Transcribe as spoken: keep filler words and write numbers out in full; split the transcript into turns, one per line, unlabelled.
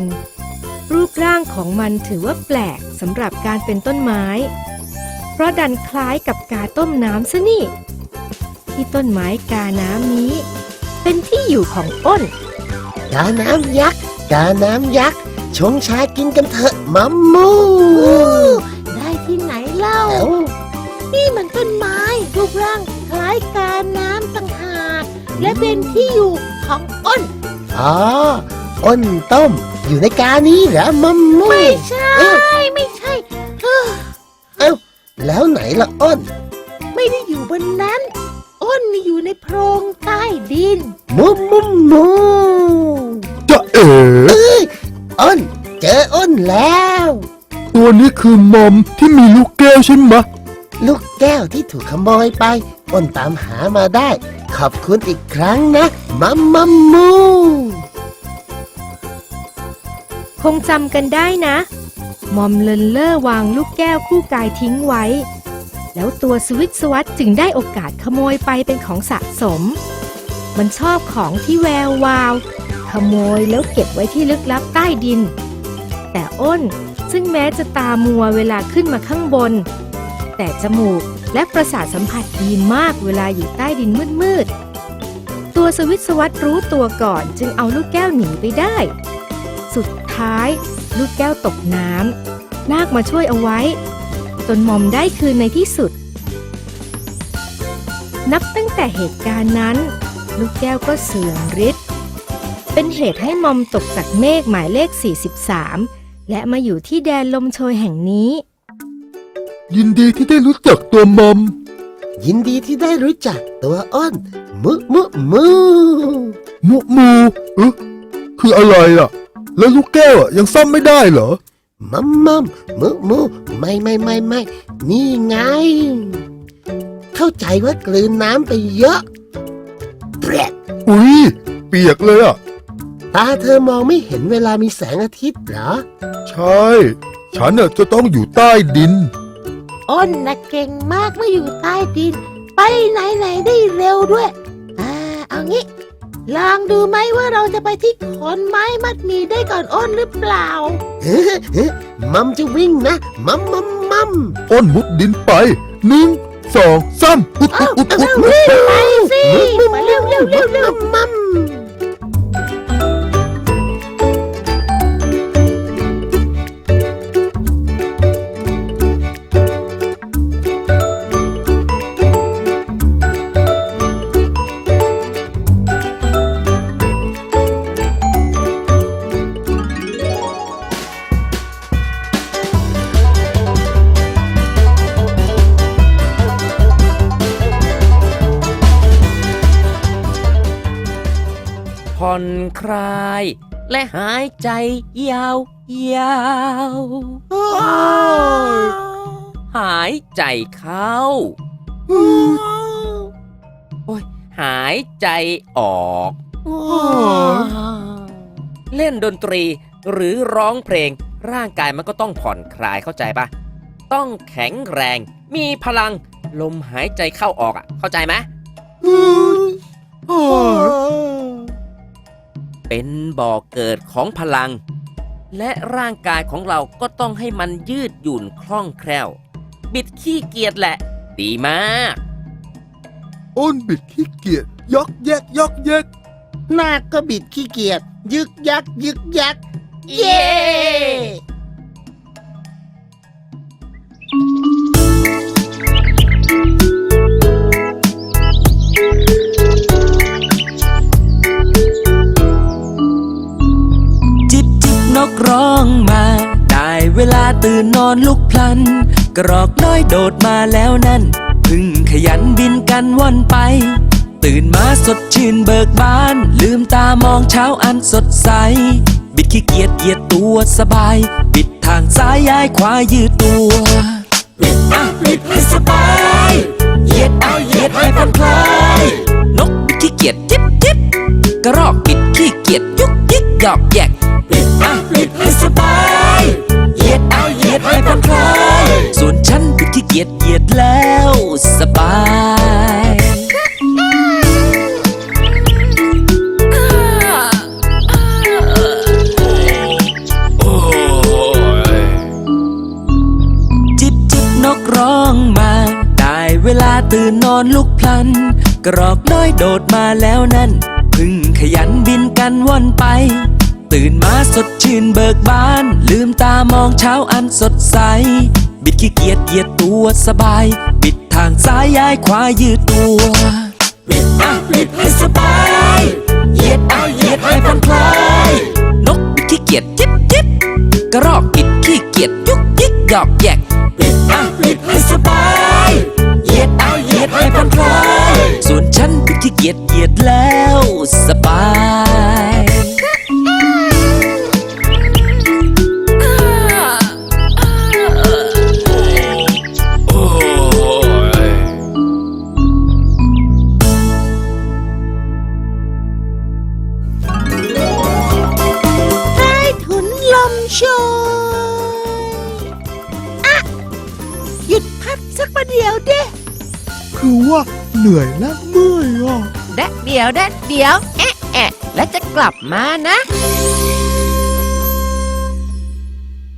รูปร่างของมันถือว่าแปลกสำหรับการเป็นต้นไม้เพราะดันคล้ายกับกาต้มน้ำซะนี่ที่ต้นไม้กาน้ำนี้เป็นที่อยู่ของอ้น
กาน้ำยักษ์กาน้ำยักษ์ชงชากินกันเถอะมัมมู
ได้ที่ไหนเล่านี่มันต้นไม้รูปร่างคล้ายกาน้ำต่างหากและเป็นที่อยู่ของอ้น
อ๋ออ้นต้มอยู่ในกานี้เหรอมัมมู
ไม่ใช่ไม่ใช่เ
อ้าแล้วไหนล่ะอ้น
ไม่ได้อยู่บนนั้นอ้นอยู่ในโพรงใต้ดิน
มุมมุมมู
จะเอ๋
อ้นเจออ้นแล้ว
ตัวนี้คือมอมที่มีลูกแก้วใช่ไหม
ลูกแก้วที่ถูกขโมยไปอ้นตามหามาได้ขอบคุณอีกครั้งนะมัมมัมมู
คงจำกันได้นะมอมเลินเล่อวางลูกแก้วคู่กายทิ้งไว้แล้วตัวสวิตสวัตจึงได้โอกาสขโมยไปเป็นของสะสมมันชอบของที่แวววาวขโมยแล้วเก็บไว้ที่ลึกลับใต้ดินแต่อ้นซึ่งแม้จะตามัวเวลาขึ้นมาข้างบนแต่จมูกและประสาทสัมผัสดีมากเวลาอยู่ใต้ดินมืดๆตัวสวิตสวัตรู้ตัวก่อนจึงเอาลูกแก้วหนีไปได้สุดท้ายลูกแก้วตกน้ำนาคมาช่วยเอาไว้จนมอมได้คืนในที่สุดนับตั้งแต่เหตุการณ์นั้นลูกแก้วก็เสื่อมฤทธิ์เป็นเหตุให้มอมตกจากเมฆหมายเลขสี่สิบสามและมาอยู่ที่แดนลมโชยแห่งนี้
ยินดีที่ได้รู้จักตัวมอม
ยินดีที่ได้รู้จักตัวอ้นมุมุมู
มุมูเอ๊ะคืออะไรอ่ะแล้วลูกแก้วอ่ะยังซ่อมไม่ได้เหรอ
มัมมัมมุมูไม่ไม่ไม่ไม่นี่ไงเข้าใจว่ากลืนน้ำไปเยอะเปรด
อุ้ยเปียกเลยอ่ะ
ตาเธอมองไม่เห็นเวลามีแสงอาทิตย์เหรอ
ใช่ฉันน่ะจะต้องอยู่ใต้ดิน
อ้นน่ะเก่งมากเมื่ออยู่ใต้ดินไปไหนไหนได้เร็วด้วยอ่าเอางี้ลองดูไหมว่าเราจะไปที่ขอนไม้มัดหมี่ได้ก่อนอ้นหรือเปล่า
เฮ้เฮ้มัมจะวิ่งนะมัมมัมมัม
อ้นมุดดินไปหนึ่งสองสามอุดอุดอุดอุด
ไปสิมาเร็วเร็วเร็วเร็วมัม
ผ่อนคลายและหายใจยาวยาวหายใจเข้าโอ้ยหายใจออกเล่นดนตรีหรือร้องเพลงร่างกายมันก็ต้องผ่อนคลายเข้าใจปะต้องแข็งแรงมีพลังลมหายใจเข้าออกอ่ะเข้าใจไหมเป็นบ่อเกิดของพลังและร่างกายของเราก็ต้องให้มันยืดหยุ่นคล่องแคล่วบิดขี้เกียจแหละดีมาก
อ้นบิดขี้เกียจยอกแยกยอกแยก
นาคก็บิดขี้เกียจยึกยักยึกยัก
เย้
นกร้องมาได้เวลาตื่นนอนลุกพลันกรอกน้อยโดดมาแล้วนั่นพึ่งขยันบินกันว่อนไปตื่นมาสดชื่นเบิกบานลืมตามองเช้าอันสดใสบิดขี้เกียจเหยียดตัวสบายบิดทางซ้ายย้ายขวายืดตัวบิดอ่ะบิดให้สบายเหยียดอ่ะเหยียดให้ผ่อนคลายนกบิดขี้เกียจจิ๊บจิ๊บกระรอกบิดขี้เกียจยุกยิกหยอกแยกบิดอ่ะบิดให้สบายเหยียดอ่ะเหยียดให้ผ่อนคลายส่วนฉันบิดขี้เกียจเหยียดแล้วสบายตื่นนอนลุกพลัน กรอกน้อยโดดมาแล้วนั่นพึ่งขยันบินกันว่อนไป ตื่นมาสดชื่นเบิกบาน ลืมตามองเช้าอันสดใส บิดขี้เกียจเหยียดตัวสบาย บิดทางซ้ายย้ายขวายืดตัว บิดอ่ะบิดให้สบายเหยียดอ่ะเหยียดให้ผ่อนคลาย นกบิดขี้เกียจจิบจิบกระรอกบิดขี้เกียจยุกยิกหยอกแยก บิดอ่ะบิดให้สบายเหยียดอ่ะเหยียดให้ผ่อนคลาย ส่วนฉันบิดขี้เกียจเหยียดแล้วสบาย
ใต้ถุนลมโชยอะหยุดพักสักประเดี๋ยวเด้
คือว่าเหนื่อยและเมื่อยอ่ะ
แดดเดียวแดดเดียว แอะแอะแล้วจะกลับมานะ
อ